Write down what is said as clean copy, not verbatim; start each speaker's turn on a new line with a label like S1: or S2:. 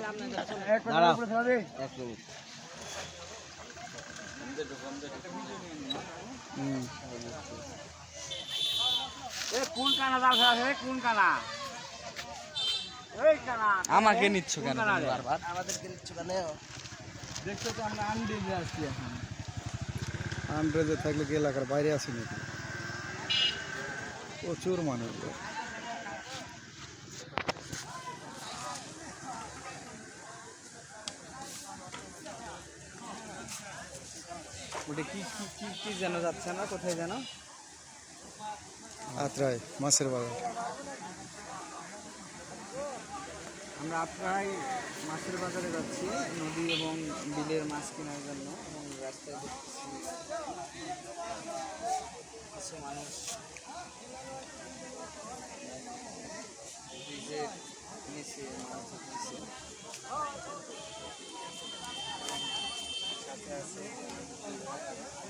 S1: দাঁড়াও,
S2: কোন কানা জাল ফেলা কোন কানা? এই কানা
S3: আমাকে নিচ্ছ কেন বারবার?
S1: আমাদেরকে নিচ্ছ কেন?
S2: দেখছো তো আমরা আনডিজে আসছি এখন।
S4: আন্ড্রেজে থাকলে কি এলাকার বাইরে আসি নাকি? প্রচুর মানুষ।
S3: ওটা কি কি কি কি যেন যাচ্ছে না, কোথায় যেন?
S4: আত্রাই মাছের বাজার।
S3: আমরা আপনারাই মাছের বাজারে যাচ্ছি নদী এবং বিলের মাছ কেনার জন্য, এবং রাস্তায় দেখছি কিছু মানুষ ব্রিজের নিচে মাছ ধরছে। সাথে আছে